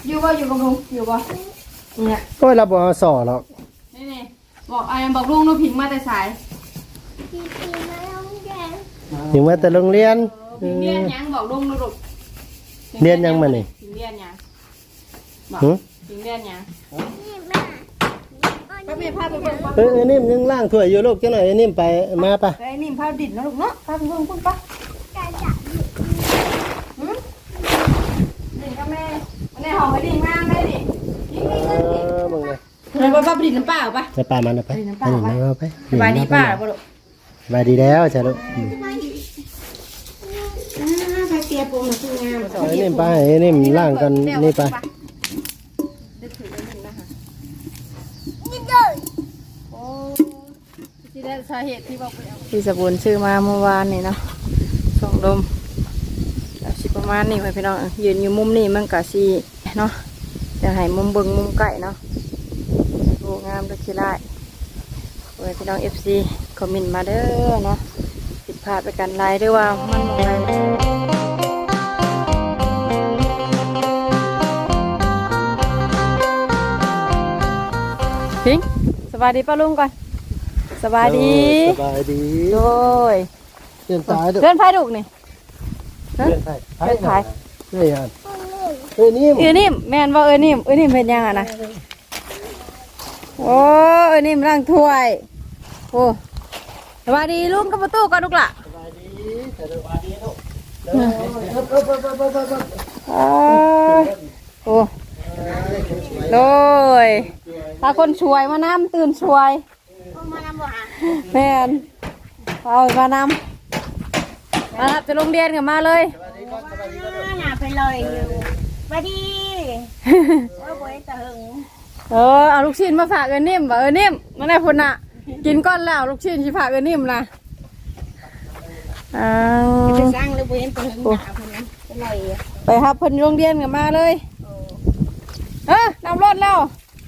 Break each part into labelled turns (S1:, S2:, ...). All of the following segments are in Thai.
S1: อยู่บ่อยู่กับลุงอยู่บ่เนี่ย
S2: ก็เราบ่สอหรอก
S1: นี่บอกอะไรบอกลุงนูพิงมาแต่สาย
S2: ถึงว่าแต่โรงเรียน
S1: พิงเรียนยังบอกลุงนูลูก
S2: เรียนยังมานี่
S1: พิงเรียนยังบอกพิงเรียนยังก็มีพาไปเบิ่งป่ะ
S2: นิ่มยังล่างถ้วยอยู่ลูกจังหน่อยนิ่มไปมาปะ
S1: ไอ้นิ่มพาดินนะลูกเนาะพาไปเบิ่งพุ่นป่ะดินกับแม่ในห้องไอ้ดินงามได้ดิ
S2: มึงเลย
S1: ไปป้าไปดินน้ำป้าป่ะ
S2: ไปป่ามันไปเอาไป
S1: สบายดีป้าบ่ลูก
S2: สบายดีแล้วจ้ะลูก
S1: พาเตียปูมันคืองาม
S2: นิ่มไปนิ่มล่างกันนี่ไป
S1: ที่ได้สาเหตุที่บอกไปเอา
S3: ที่สบุนชื่อมาเมื่อวานนี่เนาะส่งลมแบบสิประมาณนี้ไว้พี่น้องยืนอยู่มุมนี้มันกะสีเนาะจะให้มุมเบิงมุมไก่เนาะโอ้งามด้วยขี้ไล่ไว้พี่น้อง FC คอมเมนต์มาเด้อเนาะผิดพลาดไปกันไรด้วยว่ามันอะไรพิงสบายดีป้าลุงก่อนสบายดี
S2: สบายดี
S3: โดย
S2: เดินตายดู
S3: เดินไฟดุกนี่
S2: เดินไผ่นี่ฮะนิ่ม
S3: นิ่มแม่นว่านิ่มเป็นยังอ่ะนะโอ้นิ่มร่างถ้วยโอ้สวัสดีลุงกับประตูก่อนลูกล่ะ
S2: สบายดีสบายดีลูก
S3: โอ้โดยถ้าคนช่วยมานำตื่นช่วยแม่นเอามานำมารับจะโรงเรียนกันมาเลย
S1: หนาไปเลยมาดีว่าบ่อยตะหึง
S3: เอาลูกชิ้นมาฝากนิ่มว่านิ่มนั่นแหละพุ่นน่ะกินก้อนแล้วลูกชิ้นที่ฝากนิ่มนะ
S1: ไปสร้างหรือบ่เห็นตะหึงหนาคนนั้นไปเลย
S3: ไปครับเพิ่นโรงเรียนกันมาเลยนำรถแล้ว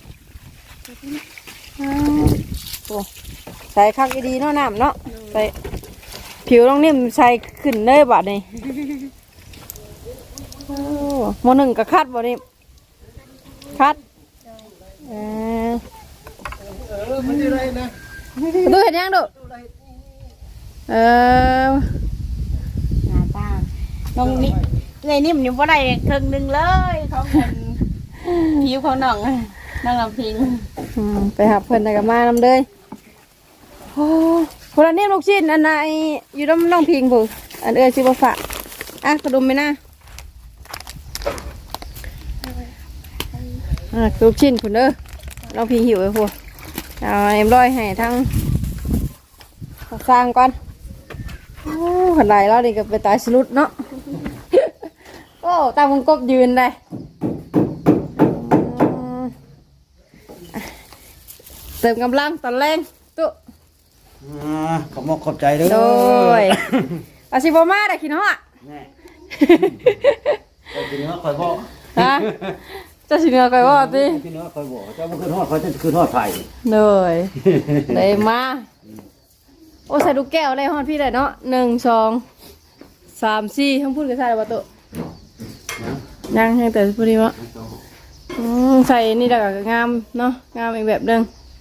S3: โอ้ใส่คักดีๆเนาะน้ำเนาะใส่ผิวน้องนิ่มใส่ขึ้นเลยบัดนี้โมหนึ่งกับคัดบ่นี่คัด
S2: มันจะไรนะ
S3: ดูเห็นยังดู
S1: หน้าตาน้องนี่ไงนิ่มนี่บ่ได้ครึ่งนึงเลยเขาเป็นผิวของน้องน้องลำพิง
S3: ไปหาเพิ่นได้กับมานำเลยโอ้คนละนิ่มลูกชิ้นอันไหนอยู่น้ำน้องพิงผู้อันชิบะฝะกระดุมไหมนะลูกชิ้นผู้เด้อน้องพิงหิวไอ้ผู้เอาเอ็มร้อยให้ทั้งสร้างก่อนโอ้ขนาดเราดิก็ไปตายสลุดเนาะโอ้ตามวงกบยืนเลยเติมกำลังตอนแรงตุ๊
S2: ขอบขอบใจด้วย
S3: โดยอาชิบมาได้กินเหรอ
S2: แน่กินเนื้อคอยบอก
S3: ฮะจะชิเนื้อไก่ว่าติ
S2: กินเนื้อคอยบอกเจ้าบุคืนทอดคอยจะคืนทอดไผ่
S3: เลยเลยมาโอ้ใส่ลูกแก้วอะไรฮอดพี่ได้เนาะ1 2 3 4ทั้งพูดกันใส่ประตูยังให้แต่พูดดีวะใส่นี่ดักงามเนาะงามอีกแบบนึง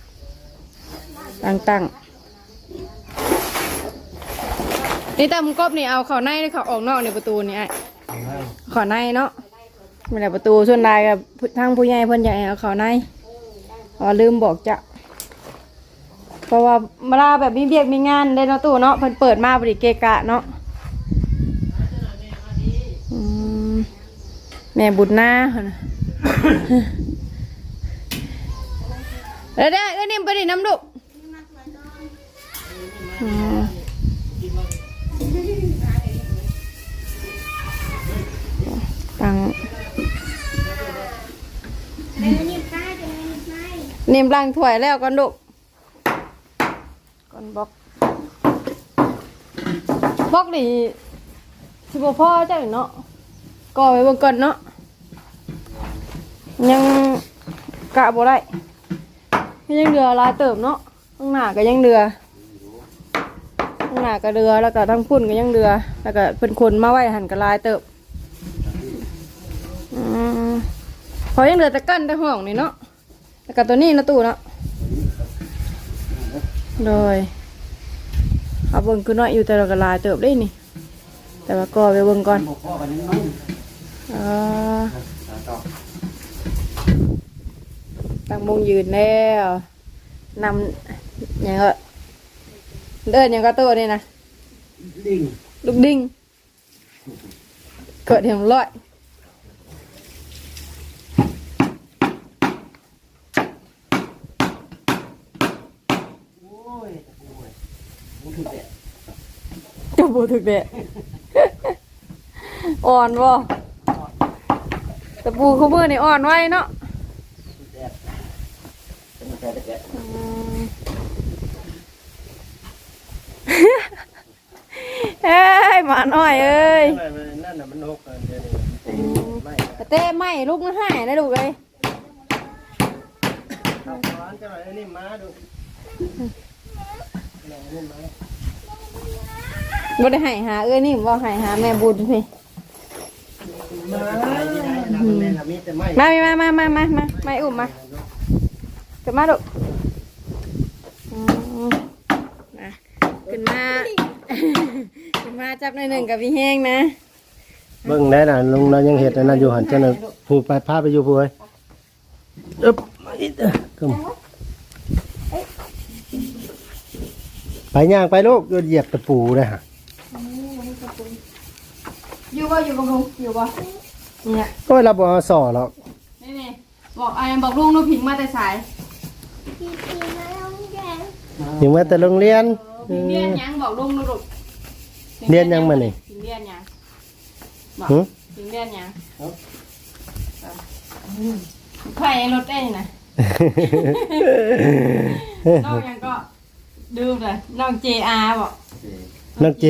S3: ตั้งนี่ตามกบนี่เอาเข้าในหรือเข้าออกนอกในประตูนี่ไอ้เข้าในเนาะไม่ได้ประตูส่วนใดกับทางผู้ใหญ่เพิ่นอยากให้เอาเข้าในลืมบอกจะเพราะว่าเวลาแบบมีเบียกมีงานได้เนาะตู้เนาะเพิ่นเปิดมาบริเกะกะเนาะแม่บุญนาเด้อนิ่มไปดิน้ำดุตังนิ่มล้างถ้วยแล้วก่อนดุก่อนบล็อกนี่สิบพ่อเจ้าเนาะก่อไว้บนก่อนเนาะยังกะบ่ได้ยังเดือลายเติมเนาะข้างหน้าก็ยังเดือข้างหน้าก็เดือแล้วก็ทั้งพุ่นก็ยังเดือแล้วก็เป็นคนมาไว้หันก็ลายเติมพอยังเหลือแต่กั้นแต่ห้องนี่เนาะแล้วก็ตัวนี้นะตู้เนาะโดยเอาเบิ่งคือน้อยอยู่แต่เราก็ลายเติบได้นี่แต่ว่าก็ไปเบิ่งก่อนตั้งมงยืนแล้วนำอย่างก็เดินอย่างก็ตัวนี่นะลูกดิ้งเกิดเห็นร้อยจะบูถึกเด็ดอ่อนบ่ตะปูเขาเมื่อนี่อ่อนไว้เนาะเอ้ยหมาหน่อยเอ้ย
S2: นั่นน่ะมันหกเดี๋ยวนี้
S3: เต้ไม่ลูกมันหายนะลูกเลย
S2: เอาขวานจะหน่อยนี่มาดู
S3: บ่ได้หาเอ้ยนี่บ่หาแม่บุญพี่มาไม่อุ้มมาขึ้นมาลูกขึ้นมาจับหน่อยหนึ่งกับพี่แห้งนะ
S2: เบิ่งได้น่ะลุงเรายังเห็ดนั่นอยู่หันเจ้าน่ะผู้ไปพาไปอยู่ผู้เอ้ยอึ๊บไปย่างไปลูกเหยียบตะปูเลยฮะ
S3: อยู่บ่อยู่กับลุงอยู่บ่เนี่ย
S2: ก็เราบอกสอหรอก
S3: นี่บอกลุงนูผิงมาแต่สาย
S2: ถึงแม้แต่โรงเรียน
S3: ผิงเรียนยังบอกลุงนูลูก
S2: เรียนยังมานี่
S3: ผิงเรียนยังบอกผิงเรียนยังไข่รถได้นะน้องยังก็ดูเลยน้อง JR บอก
S2: น้องเจ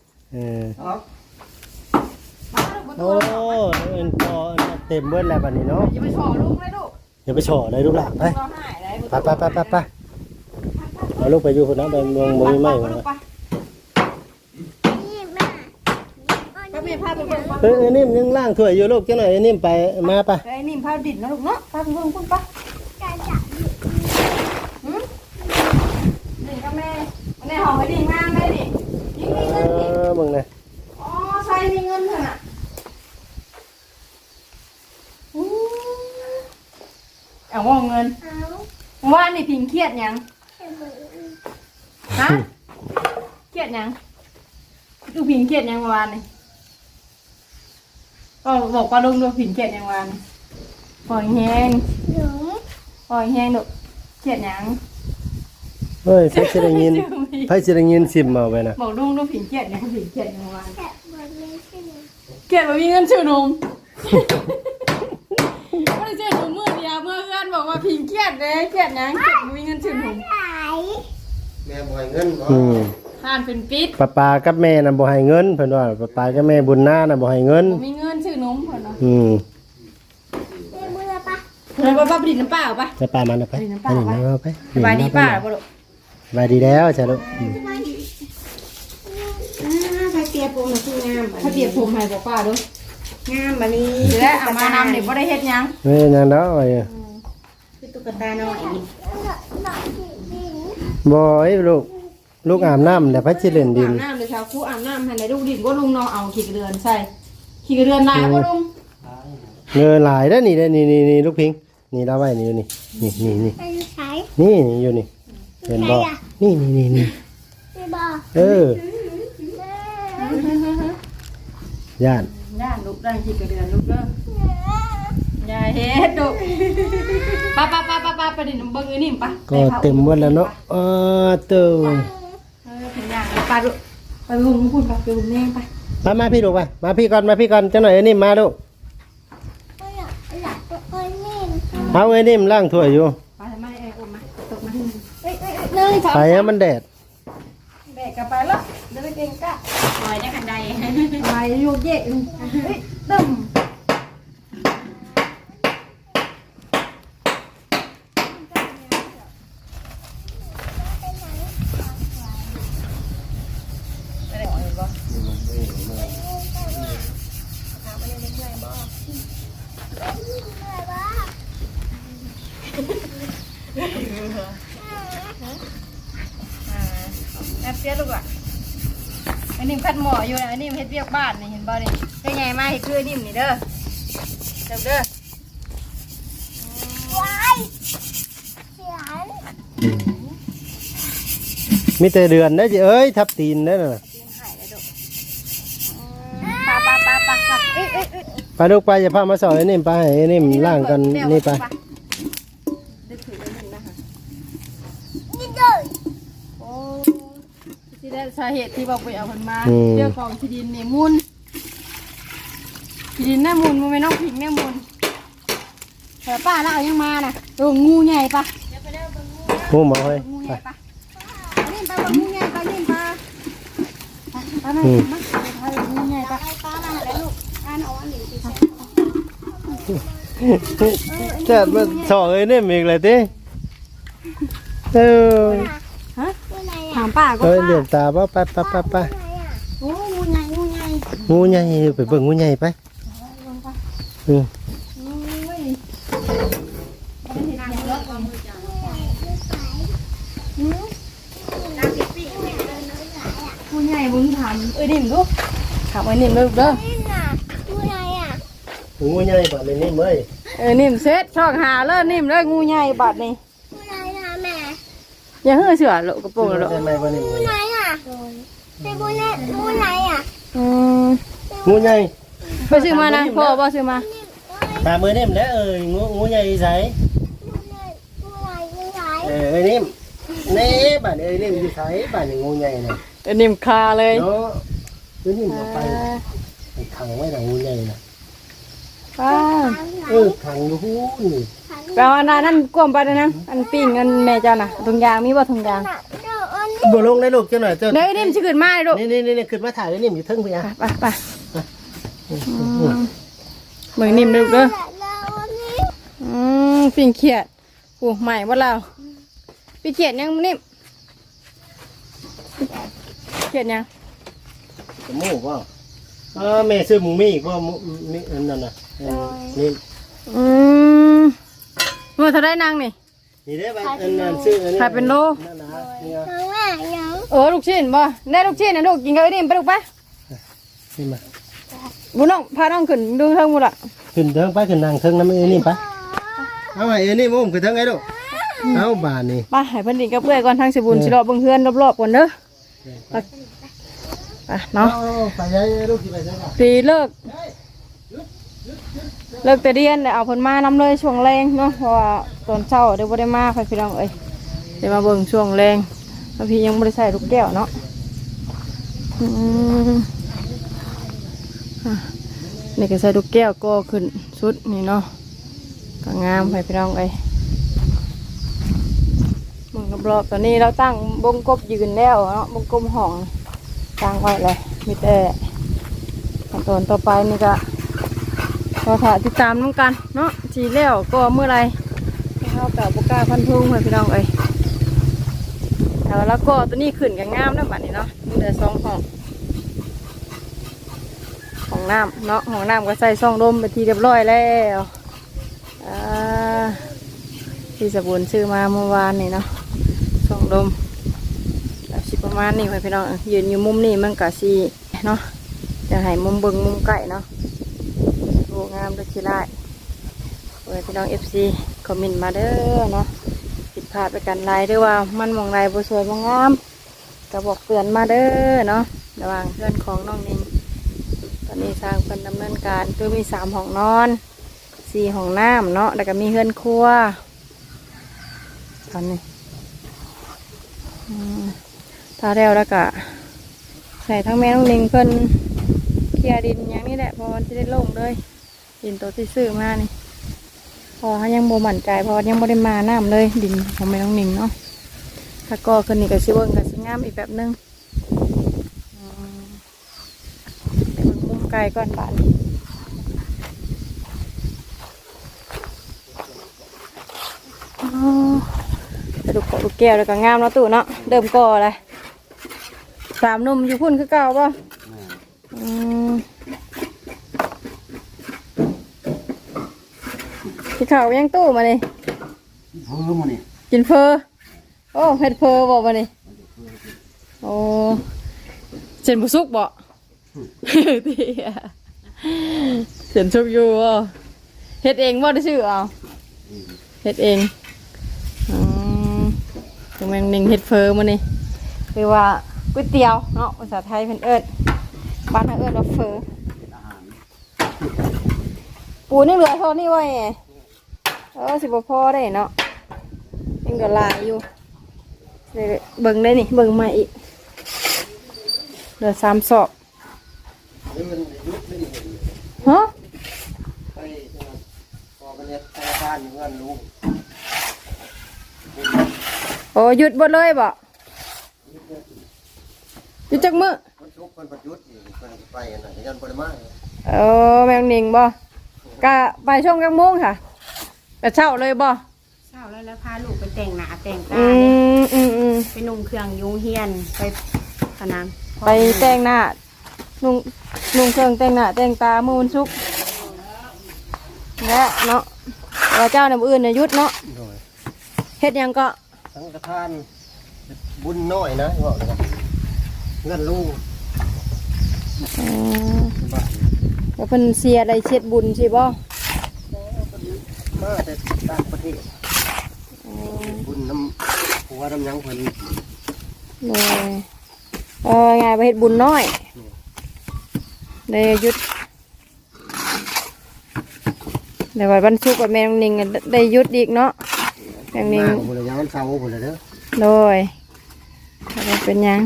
S2: โอ้เอ็นพอเต็มเบิ้ลแล้วบัดนี้เนาะ
S3: อย่าไปโชว์ลูกเลยลูก
S2: อย่าไปโฉอเลยลูกหลานไป
S3: เราหายได้
S2: ไปเอาลูกไปอยู่คนนั้นไปเมืองบ่มีไม้มา
S3: ก็มีภาพเป็นคน
S2: นิ่มยังล่างถ้วยอยู่ลูกจังหน่อยนิ่มไปมาไป
S3: ไอ้นิ่มภาพดิดนะลูกเนาะภาพเป็นคนคุณปะดิ่งกับแม่ในห้องไอ้ดิ่งงามได้ดิยิ่งมีเงินดิ
S2: มึงนะ
S3: อ๋อใส่มีเงินเถอะน่ะเอาว่าเงินว่านี่พิงเครียดยังฮะเครียดยังดูพิงเครียดยังวานนี่ก็บอกว่าลุงดูพิงเครียดยังวานปล่อยแห้งดูเครียดยัง
S2: เฮ้ยไผสิได้ยินซิมเอาไปนะ
S3: บอกลุงดูพิงเครียดยังพิงเครียดยังวานเครียดว่ามีเงินชื่อนมไม่ได้เจอหนูมือเดียวเมื่อเพื่อนบอกว่าพิงเครียดเลยเครียดยังเครียดมีเงินชื่อนม
S2: แม่บ่ให้เงินบ่
S3: ทานเป็นปิด
S2: ป้ากับแม่น่ะบ่ให้เงินเพิ่นว่าป้ากับแม่บุญนาน่ะบ่ให้เงิน
S3: มีเงินชื่อนมเพิ่นเนาะ
S2: เลย
S3: ป้าไปดินน้ำเปล่าป่ะ
S2: ไปป้ามันไปเอาไป
S3: สบายดีป้าบ่ลูก
S2: สบายดีแล้วจ้ะลูก
S1: ถ้าเตียผมคืองาม
S3: ถ้าเปียกผมให้บอกป้าดู
S1: งามบัดนี้
S3: และเอามานำเด็กบ่ได้เฮ็ดยัง
S2: นี่นั่นเนาะไอ้
S1: คือตุ๊กตาน้อย
S2: บ่ไอ้ลูกอาบน้ำแล้วไผสิเล่นดิน
S3: อาบน้ำเลยชาวคู่อาบน้ำให้ได้ลูกดินว่าลุงน้องเอาขี้กระเดือนใส่ขี้กระเดือนลายว่าลุง
S2: เงยหลายเด้อนี่เด้อนี่ลูกพิงนี่เราไว้นี่นี่อยู่นี่เห็นบ่นี่เออย่าน
S3: ลูกได้ขี้กระเดือนลูกเด้อย่าเฮ็ดลูกป้าไปดินเบิ่งอีนี่ป่ะ
S2: ก็เต็มหมดแล้วเนาะเติม
S3: ถึงอย่างป้าลูกไปลุงพูดไปลุงแน่ไป
S2: มาพี่ลูกไปมาพี่ก่อนจังหน่อยไอ้นิ่มมาลูกเอาไอ้นิ่มล้างถ้วยอยู่
S3: ไปทำไมอมมาตกมา
S2: ไปให้มันแดด
S3: แบกกลับไปแล้วเดินเก่งกะ
S1: ปล่อยได้กันใด
S3: ไปอยู่เย่ตึ้มแอบเสียลูกอ่ะไอ้นิ่มคัดหมออยู่นะไอ้นิ่มเฮ็ดเวียกบ้านนี่เห็นบ่นี่ได้ไงมาเฮ็ดคือไอ้นิ่มนี่เด้อเด้อ
S4: ว้ายเสียง
S2: มีแต่เดือนได้จิเอ้ยทับตีนได้น่ะ
S3: ปะเอ้ย
S2: ไปลูกไปอย่าพามาสอนไอ้นิ่มไปให้ไอ้นิ่มล่างกันนี่ไป
S3: ดึกถือไอ้นิ่มนะคะ
S4: นี่เลย
S3: โอ้ที่ได้สาเหตุที่บอกไปเอาคนมาเรื่องของที่ดินเนี่ยมูลที่ดินแน่มูลมันไม่น้องผิงแน่มูลแต่ป้าเราเอายังมาน่ะตัวงูใหญ่ปะ
S2: งูหมอเฮ้ย
S3: งู
S2: ไป
S3: ใหญ่ปะนี่ไปว่างูใหญ่ปะนี่ปะไปไหมไปงูใหญ่ปะ
S4: ป้ามาแล้วลูกอ่านเอาอันนี้สิ
S2: เจ็ดมาสอนไอ้นิ่มอีกเลยติเออ
S3: ฮะ
S4: ตัวไหน
S3: ถามป้าก็
S2: เอ้ย
S3: ป้า
S2: เดือดตาป่ะไป
S4: โอ้งูใหญ่งูใหญ่
S2: งูใหญ่ไปเบิ่งงูใหญ่ไปอืม
S3: ผู้ใหญ่บุญถามนิ่มลูกถามนิ่มลูกเด้อ
S4: นี่น่ะตัวไหนอ่ะ
S2: งูใหญ่ป่ะเลยนิ่มเอ้ย
S3: นิ่มเซ็ตช่องหาเลิศนิ่มเลยงูใหญ่บัดนี่
S4: ตัวไหนน่ะแม่
S3: อย่าเหื่อเสือโลกกระโปรงโลก
S2: ใช่ไหมป่ะนิ่ม
S4: ตัวไหนอ่ะเป็นตัวไหนตัวไหนอ่ะ
S2: งูใหญ่
S3: ไปซื้อมานะพ่อบ่ซื้อมา
S2: ตามมือนิ่มแล้วเอ้ยงูใหญ่ใส่
S4: ตัวไหนตัวไหน
S2: เอ้ยนิ่มนี่บ้านเอ้ยนิ่มอยู่ใส่บ้านงูใหญ่น่ะ
S3: นิ่มคาเลย
S2: เนาะเอ้ยนิ่มไปขังไว้หนังงูใหญ่น่ะ
S3: ป้า
S2: ขังอยู่หูนี่
S3: แปลว่านั่นกลมไปนะอันปิ้งอันแม่เจ้าน่ะถุงยางมีบ่ถุงยาง
S4: เดี๋ยวอันนี้
S2: บ่ลงได้ลูกจังหน่อยเจ้า
S3: เด้นิ่มสิขึ้นมาเลยลูก
S2: นี่ขึ้นมาถ่ายไอ้นิ่มอยู่เทิงพี่อ่ะ
S3: ไปเบิ่งนิ่มลูกเด้อ
S4: แล้วอันนี้
S3: ปิ้งเขียดโอ้ใหม่บ่เราปิ้งเขียดยังนิ่มเขียดยัง
S2: หมูป่ะแม่ซื้อหมูมีอีกว่ามีอันนั้นน่ะนี่
S3: ว่าเท่าได้นางนี่
S2: นี่ได้ป่ะอันนั้นซื้ออันนี้
S3: ขายเป็นโล
S2: นั่นนะเนี่ย
S4: ข้างหน้ายัง
S3: ลูกชิ้นบ่ได้ลูกชิ้นนะลูกกินกับไอ้นิ่มไปลูกไป
S2: นี่มา
S3: บุน้องพาน้องขึ้นดูเทิงบุละ
S2: ขึ้นเทิงไปขึ้นนางเทิงน้ำไอ้นี่ไปเอาไอ้นี่มุ่งขึ้นเทิงไอ้ลูกเอาบานนี่
S3: ไปให้เพิ่นดินกับเพื่อนก่อนทางสิบุญสิรอเบิ่งเฮือนรอบๆก่อนเด้อไปเนาะ
S2: ไปยัยลูกที่ไปใช่ป่ะ
S3: ปีเลิกแต่เรียนเอาเพิ่นมานำเลยช่วงแรงเนาะเพราะว่าตอนเช้าเดี๋ยวบ่ได้มาไปพี่น้องเอ้ยเดี๋ยวมาเบิ่งช่วงแรงแล้วพี่ยังบ่ได้ใส่ลูกแก้วเนาะนี่ก็ใส่ลูกแก้วก็ขึ้นชุดนี่เนาะก็งามไปพี่น้องเอ้ยมึงรอบๆตอนนี้เราตั้งบงกบยืนแล้วเนาะบงกบห้องตั้งไว้เลยมีแต่ขั้นตอนต่อไปนี่ก็รอถ่ายติดตามน้ำกันเนาะทีแล้วก็เมื่อไรเข้ากับบุกล้าพันทุ่งไปพี่น้องเอ้ยแล้วก็ตัวนี้ขึ้นกันงามแล้วบัดนี้เนาะมีแต่2ห้องน้ำเนาะห้องน้ำก็ใส่ช่องลมไปทีเรียบร้อยแล้วที่สบุนซื้อมาเมื่อวานนี่เนาะช่องลมสิประมาณนี้ไปพี่น้องยืนอยู่มุมนี้มันก็สิเนาะจะให้มุมเบิ่งมุมใกล้เนาะโอ้งามเลยทีไรเว้ยพี่น้อง FC คอมเมนต์มาเด้อเนาะผิดพลาดไปกันไรด้วยว่ามันมองไรบ่สวยบ่งามก็บอกเตือนมาเด้อเนาะระหว่างเพื่อนของน้องนิงตอนนี้สร้างเป็นดำเนินการคือมี3ห้องนอน4ห้องน้ำเนาะแล้วก็มีเฮือนครัวตอนนี้ถ้าแล้วก็ใส่ทั้งแม่น้องนิงเพิ่นเคลียร์ดินอย่างนี้แหละพอมันจะได้โล่งเลยดินตัวที่ซื้อมานี่พอเขายังโบหมั่นใจพอยังโบได้มาน้ำเลยดินของแม่น้องนิงเนาะถ้าก็ขึ้นนี่ก็ชิเบิ้งก็ชิงามอีกแบบนึงไปเบิ้งมุมไกลก่อนบ้านไปดูลูกแก้วแล้วก็งามเนาะตู่เนาะเดิมก่อเลย3 หนุ่มอยู่พุ่นคือเก่าป่ะที่เขายังตู้มาเลย
S2: เพิ่มมานี่
S3: กินเฟอโอ้เฮ็ดเฟอบอกว่านี่โอ้เส้นบุสุกบ่เตี้ยเส้นชุกอยู่บ่เฮ็ดเองบ่ได้ชื่อเอาเฮ็ดเองตรงแมงนิงเฮ็ดเฟอมานี่คือว่าก๋วยเตี๋ยวเนาะภาษาไทยเพิ่นเอิ้นบ้านเฮาเอิ้นว่าเฟอปูนี่เหลือเท่านี้ไว้สิบ่พอได้เนาะยังก็หลายอยู่เบิ่งได้นี่เบิ่งมาอีกเหลือ3 ศอกฮะ
S2: ไปพอกันเนี่ยธนาคารเงินลุง
S3: โอ้หยุดหมดเลยบ่หยุดจักมื้อ
S2: คนชุกคนประยุทธ์นี่คนไปน่ะยันบ่ได้มา
S3: แมงนิงบ่กะไปช่วงกลางโมงค่ะกะเช้าเลยบ่
S1: เช้าแล้วพาลูกไปแต่งหน้าแต่งตา
S3: อืม
S1: ไปนุ่งเครื่องยุงเฮียนไปขนาด
S3: ไปแต่งหน้านุ่งเครื่องแต่งหน้าแต่งตามื้อวันศุกร์และเนาะว่าเจ้าน้ำอื่นเนี่ยหยุดเนาะ
S2: โดย
S3: เฮ็ดหยังก็
S2: สังฆทานบุญน้อยนะบอกเลยเงินลุง
S3: แล้วเพิ่นเสียได้เช็ดบุญสิบ่
S2: มาแต่ต่างประเทศบุญน้ำหัวน้ำยังเพิ่น
S3: เลยไงไปเฮ็ดบุญน้อยได้หยุดในวันศุกร์กับแม่น้องนิงได้หยุดอีกเนาะแม่น้องนิง
S2: บุญยังวันเสาร์บุญเลยเด้อ
S3: โดยเป็นหยัง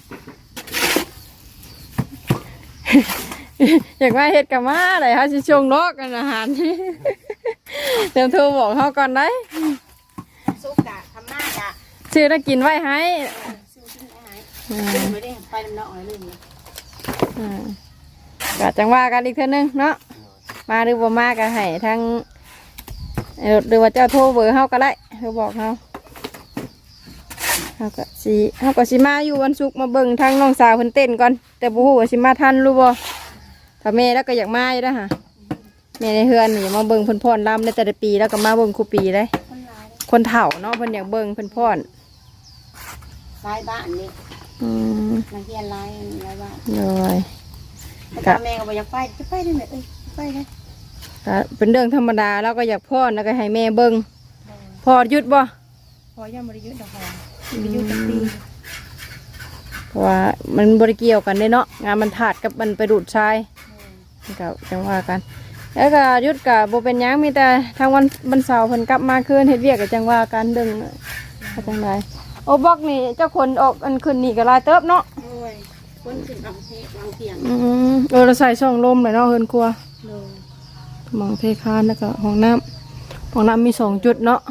S3: อยากมาเฮ็ดกับมาได้เฮาสิชงนกกันอาหาร เดี๋ยวโทรบอกเฮาก่อนได้
S1: สุกกะทำหน้ากะ
S3: ชื่อได้กินไว้ให้
S1: ซื้อชิ้นอาหารไม่ได้ไปน้ำเนาะอะไรเลย
S3: ก็จังว่ากันอีกเทื่อนึงเนาะมาหรือบ่มาก็ให้ทั้งหรือว่าเจ้าโทรเบอร์เฮาก็ได้เธอบอกเฮาเฮาก็สิมาอยู่วันศุกร์มาเบิ่งทางน้องสาวเพิ่นเต้นก่อนแต่บ่ฮู้ว่าสิมาทันหรือบ่ถ้าแม่แล้วก็อยากมาอยู่เด้อค่ะแม่ในเฮือนนี่มาเบิ่งเพิ่นพรรำในแต่ละปีแล้วก็มาเบิ่งคู่ปีเลยคนเฒ่าเนาะเพิ่นอยากเบิ่งเพิ่นพร
S1: ลายบ้านนี่นักเรียนลายบ้าน
S3: เลย
S1: แต่แม่ก็บอกอยากไปจะไปได้ไหมไปได้
S3: ก็เป็นเรื่องธรรมดาแล้วก็อยากพรแล้วก็ให้แม่เบิ่งพอหยุดบ่
S1: พอยังบริยุทธ์ดอกหอมบริยุทธ์ปี
S3: เพราะว่ามันบริเกี่ยวกันเด้เนาะงานมันถาดกับมันไปดูดทรายก็จังว่ากันแล้วก็หยุดกับโบเป็นหยังมีแต่ทางวันเสาร์เพิ่นกลับมาคืนเฮ็ดเวียกก็จังว่ากันเดึงจังไดโอ้บอกนี่เจ้าคนออกอันขึ้นนี่ก็หลายเติบเนาะ
S1: โอ้ยคนขึ้นบางเทบางเตียง
S3: เราใส่ช่องลมเลยเนาะเฮือนครัว
S1: เลย
S3: หมองเพคานแล้วก็ห้องน้ำมี2 จุดเนาะ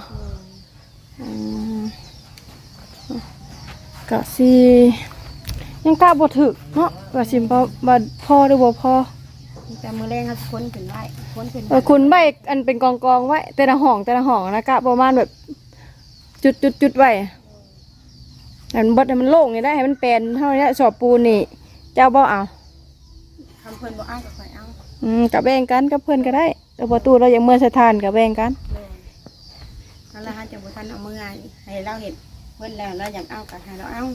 S3: ก็สิยังกล้าบ่ถึกเนาะว่าสิบ่พอหรือบ่พอ
S1: แต่มือแรงเขาคนขึ้นไว้คนขึ้น
S3: คุณใบอันเป็นกองไว้แต่ละห้องนะกะประมาณแบบจุดไว้อันบดให้มันโล่งนี่ได้ให้มันเป็นเท่านี้สอบปูนนี่เจ้าบ่เอา
S1: ทำเพื่อนบ่อ้างกับใครเอา
S3: กับแบ่งกันกับเพื่อนก็ได้แต่ประตูเรายังเมื่อสถานกับแบ่งกัน
S1: เลยนั่นแหละฮะจะบุทันเอามือไงให้เราเห็นเพื่อนแล้วเราอยากเอากับให้เราเอา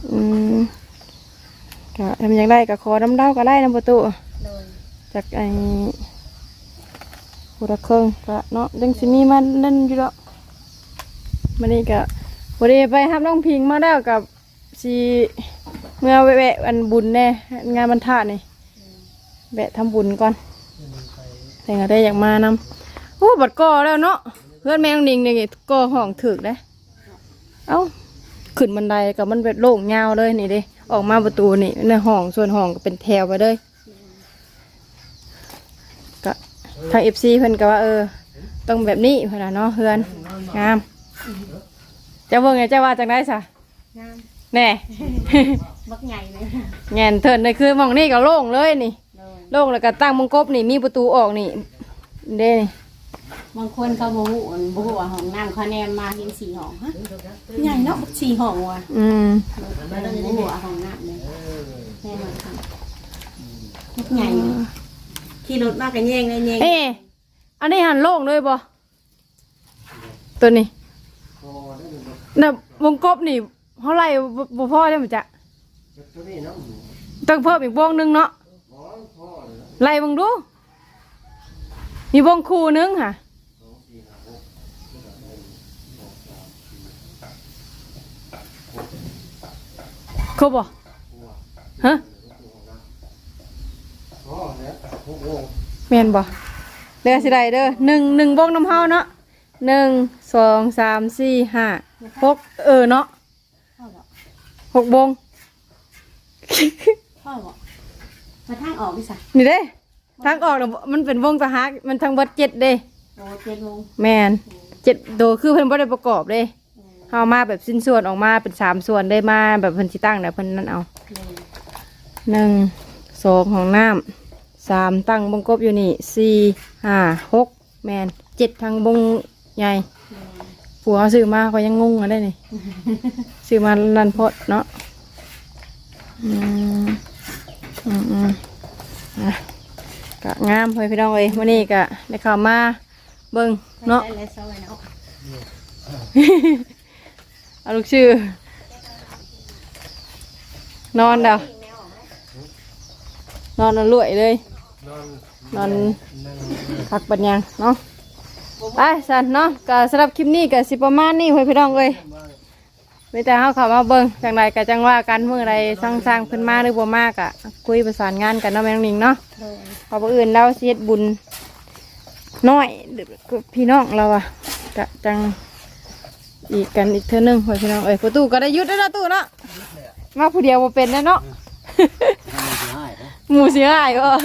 S3: ก็ทำยังได้กับคอน้ำเด้าก็ได้น้ำประตู
S1: เลย
S3: จากไอ้หัวเครื่องก็เนาะยังสิมีมันนั่นอยู่แล้วมันนี่ก็พอดีไปทำน้องพิงมาแล้วกับสีเมื่อแวะอันบุญแน่งานบรรทัดนี่แวะทำบุญก่อนแต่ก็ได้อยากมานำโอ้บัดก่อแล้วเนาะเพื่อนแม่น้องนิงเนี่ยก่อห้องถึกได้เอ้าขึ้นบันไดกับมันเป็นโล่งยาวเลยนี่เด้ออกมาประตูนี่ในห้องส่วนห้องก็เป็นแถวไปเลยก็ทางFCเพิ่นก็ว่าต้องแบบนี้เพิ่นน่ะเนาะเฮือนงามเจ้าเบิ่งไงเจ้าว่าจังได้ซะ
S1: งาม
S3: แน่
S1: บักใหญ่เลย
S3: แง่นเถินเลยคือหมองนี่ก็โล่งเลยนี่
S1: เลย
S3: โล่งแล้วก็ตั้งมงกบนี่มีประตูออกนี่เด้นี่
S1: บางคนเขาโมโหว่าห้องน้ำเขาแนมมาเห็น4 ห้องฮะใหญ่เนาะ4 ห้องว่ะแล้วเราจะได้โมโหห้องน้ำเลยแน่นอนค่ะบักใหญ่ขี่รถมากกันแย่งเลยแย่ง
S3: อันนี้หันโล่งเลยบ่ตัวนี้น่ะวงกบนี่เท่าไหร่บ่พอได้มั้ยจ๊ะต้องเพิ่มอีกวงนึงเนาะไล่บังดูมีวงคู่นึงค่ะครบบ่ฮะแม่นบ่เด้อสิได้เด้อหนึ่งวงน้ำเฮาเนาะ1 2 3 4 5 6เนาะ6วง
S1: พ่อบอกมาทางออกดิสะ
S3: นี่เด้ทางออกน่ะมันเป็นวงตะฮักมันทั้งเบิด7เด้
S1: โอ้7 โมง
S3: แม่น7โดคือเพิ่นบ่ได้ประกอบเด้เฮามาแบบสิ้นส่วนออกมาเป็น3ส่วนได้มาแบบเพิ่นสิตั้งน่ะเพิ่นนั่นเอา1 2ของน้ำ3ตั้งวงกบอยู่นี่4 5 6แม่น7ทางวงใหญ่ผัวเขาซื้อมาเขายังงงกันได้นี่ ซื้อมาลันพดเนาะอ่ะกะงามเลยพี่น้องเอ้ยวันนี้กะได้ข่าวมาเบิ่งเนาะ
S1: ได้แล้วซอยเนาะ
S3: เอาลูกชื่อ นอนเด้อนอนรวยเลยนอนคักปัญญังเนาะไปสันเนาะก็สำหรับคลิปนี้ก็สิประมาณนี้พี่น้องเอ้ยไม่แต่เขาเข้ามาเบิ่งจังไรก็จังว่ากันเมื่อไรสร้างขึ้นมาหรือบ่มากอะคุยประสานงานกันเนาะแม่น้องนิงเนาะพอผู้อื่นเราเสียบุญน้อยพี่น้องเราอะกะจังอีกกันอีกเท่านึงพี่น้องเอ้ยประตูก็ได้ยุดแล้วนะตู้เนาะมาผู้เดียวบ่เป็นแล้วเนาะหมูเสียหายบ่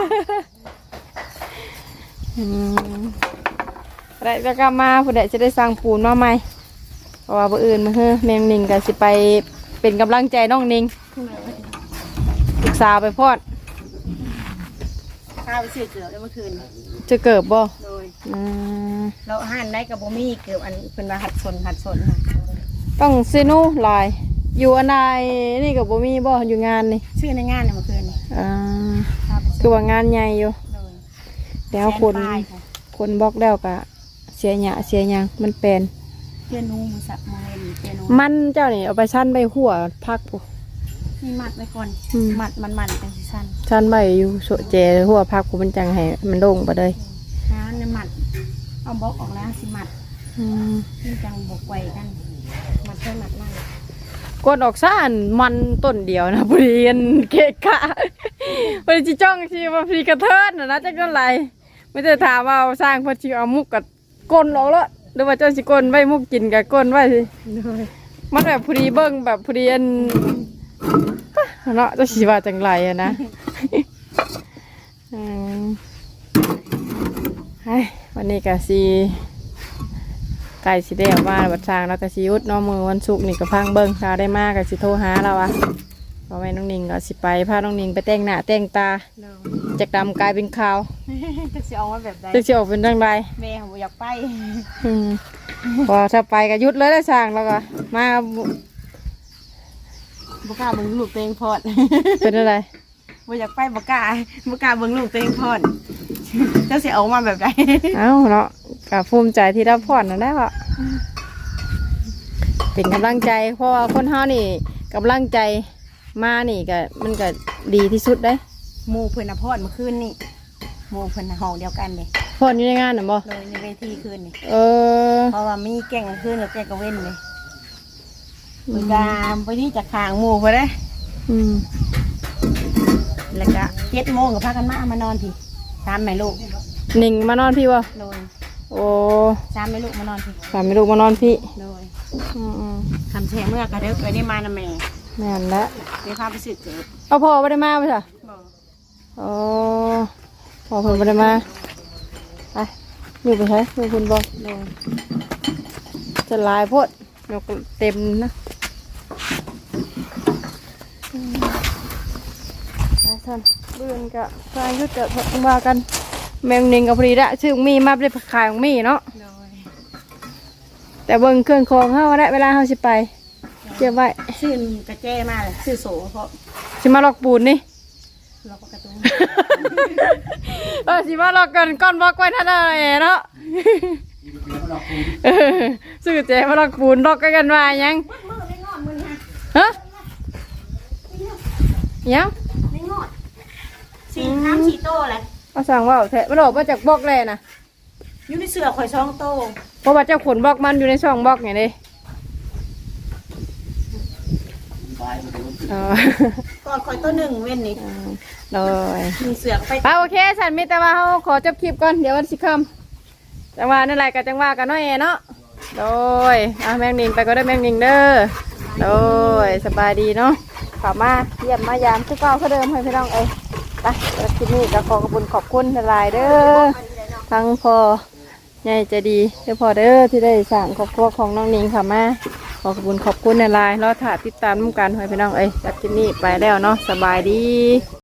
S3: ได้จะกลับมาผู้ใดจะได้สร้างปูนมาใหม่เพราะว่าผู้อื่นมาเฮ้แมงนิงก็สิไปเป็นกำลังใจน้องนิงศึกษาไปพอด
S1: ข้าวไปซื้อเกลือได้เมื่อคืน
S3: จะเกิดบ่
S1: โดยเราหั่นได้กับบ่มีเกลืออันเป็นว่าหัดสนค่ะ
S3: ต้องเซนูลายอยู่อันใดนี่กับบ่มีบ่อยู่งานนี่
S1: ชื่อในงานเนี่ยเมื่อคืนนี่
S3: คือว่างานใหญ่อยู่
S1: โดย
S3: แล้วคนบล็อกแล้วก็เสียหยาเสียหยังมันเป็น
S1: เปียโนมือสับมือเล่นเปียโน
S3: มันเจ้านี่เอาไปชั้นใบหัวพักปุ๊
S1: มีมัดไว้ก่อนมัดมันเป็นซีซั่น
S3: ชั้นใบอยู่โสเจหัวพักปุ๊มันจังให้มันโล่งไปเลย
S1: น้ำเนี่ยมัดเอาบล็อกออกแล้วสิมัดนี่จังบกไว้กันมัดเพื่อมัดนั่ง
S3: กดออกซ่านมันต้นเดียวนะพอดีกันเกะกะพอดีจ้องชีว่าพอดีกระเทิดนะจักนั่นไรไม่ได้ถามว่าสร้างพอดีเอามุกกับก้นออกแล้วหรือว่าเจ้าสิก้นไว้มุกกินกับก้นไว้สิมันแบบพอดีเบิ้งแบบพอดีอันเนาะเจ้าสิว่าจังไรอะนะวันนี้ก็สีไก่สีแดงมาบัดสร้างแล้วก็สีอุดน้องมือวันศุกร์นี่ก็พังเบิ้งถ้าได้มากก็สิโทรหาเราอะพอแม่น้องนิงก็สิไปพาน้องนิงไปแต่งหน้าแต่งตาจากดำกลายเป็นขาว
S1: จะสิเอาไว้แบบใด
S3: จะเชียวเป็นจังไร
S1: แม่ผมอยากไป
S3: พอถ้าไปก็ยุดเลยได้สร้างแล้วก็มา
S1: บกล้าเบิ่งลูกตัวเองพอด
S3: เป็นอะไร
S1: บ่อยากไปบกล้าเบิ่งลูกตัวเองพอดเจ้าสิเอามาแบบใด
S3: เอ้าเนาะก็ภูมิใจที่ได้ผ่อนนั่นแหละค่ะเป็นกำลังใจเพราะว่าคนเฮานี่กำลังใจมานี่ก็มันก็ดีที่สุดได้
S1: หมู่เพิ่นน่ะพอดเมื่อคืนนี่หมู่เพิ่นน่ะห้องเดียวกันเด้
S3: ผ่อนอยู่ในงานน่ะบ่
S1: เลยในเวทีคืนนี่
S3: เออ
S1: เพราะว่ามีแก่งคืนกับแก่งกระเว้นเลยเพิ่นก็ไปที่จากทางหมู่เพิ่นเด้
S3: อืม
S1: แล้วก็7 โมงก็พากันมานอนพี่3แม่ลูก
S3: หนิงมานอนพี่บ่
S1: โดย
S3: โอ้
S1: 3แม่ลูกมานอนพี่
S3: สามไม่ลูกมานอนพี่
S1: โดย
S3: อืม
S1: คำแช่เมื่อกระเด้อไปได้มานะแม่
S3: แม่นละ
S1: เดี๋ยวพาไปซื้อเกิด
S3: เอาพ่อไม่ได้มาไปจ้ะ
S1: บ่
S3: อ๋อพ่อเพิ่นไม่ได้มาไปอยู่ไปใช้อยู่คุณบ่
S1: โดย
S3: จะลายโพดยกเต็มนะไปท่านเบื่อนกะทางยุดจะว่ากันแมงนิงกับพอดีละชื่อมีมาได้ขายของมีเนาะ
S1: โดย
S3: แต่เบิ่งเครื่องคองเฮาได้เวลาเฮาสิไปเก็บไว้
S1: ซื้อกระแจมาเลยซื้อโสเพราะ
S3: สิมาลอกปูนนี่
S1: เราก็กระตุ้น
S3: สิมาลอกกันก้อนบอกไว้ท่านอะไรเนาะซื้อแจมาลอกปูนลอกกันว่ายัง
S1: มือได้งอดมือฮะ
S3: ฮะยัง
S1: ได้งอดสีน้ำสีโตแหละ
S3: เอาสั่งว่าแทะมันออกมาจากบล็อกแลนะ
S1: อยู่ในเสือข่อยช่องโต
S3: เพราะว่าเจ้าขนบล็อกมันอยู่ในช่องบล็อกไงเด้อ๋อ
S1: ก่อนข่อยตัวหนึ่งเว้นนี่
S3: เลย
S1: มีเสือไป
S3: ไปโอเคฉันมีแต่ว่าเขาขอจบคลิปก่อนเดี๋ยววันสิคำจังหวะนั่นแหละกับจังหวะกันน้อยเนาะโดยแมงนิงไปก็ได้แมงนิงเด้อโดยสบายดีเนาะขับมาเยี่ยมมายามทุกเก้าเขาเดิมให้พี่น้องไปแล้วคลิปนี้ก็ขอขอบคุณหลายเด้อทั้งพอใหญ่ใจดีเด้อพอเด้อที่ได้สั่งครอบครัวของน้องนิงค่ะมาขอบคุณหลายรอถ่ายติดตามกันให้พี่น้องจากคลิปนี้ไปแล้วเนาะสบายดี